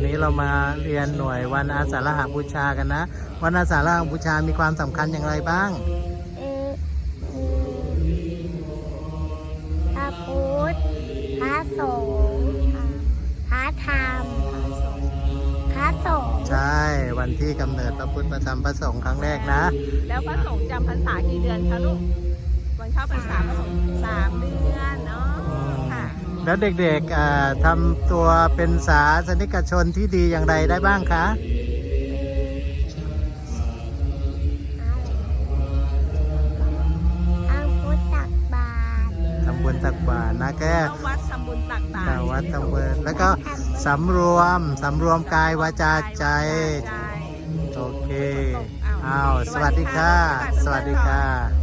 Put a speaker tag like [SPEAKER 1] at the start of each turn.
[SPEAKER 1] นี้เรามาเรียนหน่วยวันอาสาฬหบูชากันนะวันอาสาฬหบูชามีความสำคัญอย่างไรบ้าง
[SPEAKER 2] พระพุทธพระสงฆ์พระธรรมพระสงฆ์
[SPEAKER 1] ใช่วันที่กำเนิดพระพุทธพระธรรมพระสงฆ์ครั้งแรกนะ
[SPEAKER 3] แล้วพระสงฆ์จำพรรษากี่เดือนคะลูกวันเข้าพรรษาพระสงฆ์3 เดือนเนาะค่ะ
[SPEAKER 1] แล้วเด็กๆทำตัวเป็นศาสนิกชนที่ดีอย่างไรได้บ้างคะทำบุญตักบาตรนะแค่
[SPEAKER 3] วัดทำบุญตักบาตร
[SPEAKER 1] วัดทำบุญแล้วก็สำรวมกายวาจาใจโอเคอ้าวสวัสดีค่ะสวัสดีค่ะ